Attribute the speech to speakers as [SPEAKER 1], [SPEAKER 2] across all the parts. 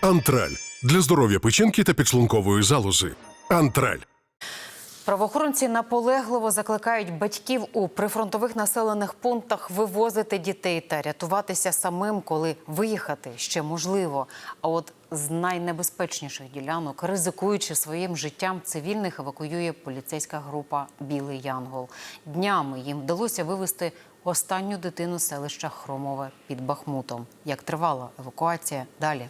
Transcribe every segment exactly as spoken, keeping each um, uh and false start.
[SPEAKER 1] Антраль. Для здоров'я печінки та підшлункової залози. Антраль.
[SPEAKER 2] Правоохоронці наполегливо закликають батьків у прифронтових населених пунктах вивозити дітей та рятуватися самим, коли виїхати ще можливо. А от з найнебезпечніших ділянок, ризикуючи своїм життям, цивільних евакуює поліцейська група «Білий Янгол». Днями їм вдалося вивезти останню дитину з селища Хромове під Бахмутом. Як тривала евакуація – далі.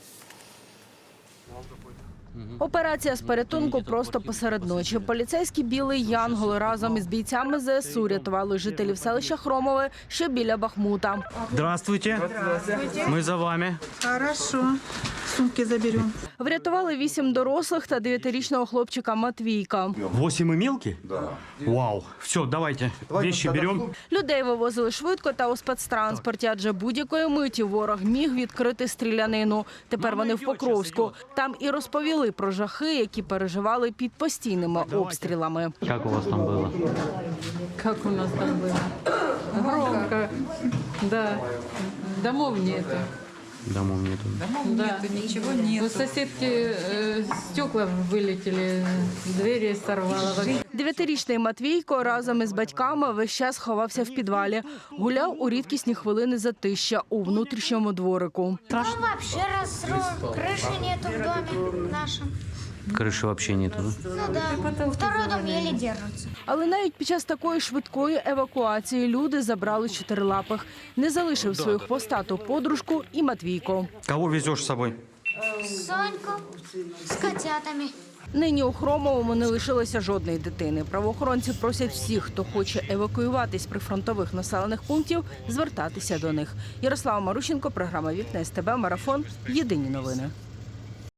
[SPEAKER 3] Операція з порятунку просто посеред ночі. Поліцейські «Білий Янгол» разом із бійцями зе ес у рятували жителів селища Хромове, що біля Бахмута.
[SPEAKER 4] Здравствуйте. Ми за вами.
[SPEAKER 5] Хорошо. Сумки заберем.
[SPEAKER 3] Врятували вісім дорослих та дев'ятирічного хлопчика Матвійка.
[SPEAKER 4] Восемь и мелкий? Да. Вау. Все, давайте. Вещи берем.
[SPEAKER 3] Людей вивозили швидко та у спецтранспорті, адже будь-якої миті ворог міг відкрити стрілянину. Тепер вони в Покровську. Там і розповіли про жахи, які переживали під постійними обстрілами.
[SPEAKER 4] Как у вас там было?
[SPEAKER 6] Как у нас там было? Громко. Да. Домов нету.
[SPEAKER 4] Домов нету.
[SPEAKER 6] Да. Нету, ничего нет. У соседки э, стекла вылетели, двери сорвало.
[SPEAKER 3] Дев'ятирічний Матвійко разом із батьками весь час ховався в підвалі. Гуляв у рідкісні хвилини затища у внутрішньому дворику.
[SPEAKER 7] Ну, вообще разрушен, крыши нету в доме нашем.
[SPEAKER 4] Крыши вообще нету, да?
[SPEAKER 7] Ну да, второй дом еле держится.
[SPEAKER 3] Але навіть під час такої швидкої евакуації люди забрали чотирилапих. Не залишив свою хвостату подружку і Матвійко.
[SPEAKER 4] Кого везешь с собой?
[SPEAKER 7] Соньку с котятами.
[SPEAKER 3] Нині у Хромовому не лишилося жодної дитини. Правоохоронці просять всіх, хто хоче евакуюватись з прифронтових населених пунктів, звертатися до них. Ярослава Марущенко, програма «Вікна ес те бе», марафон. Єдині новини.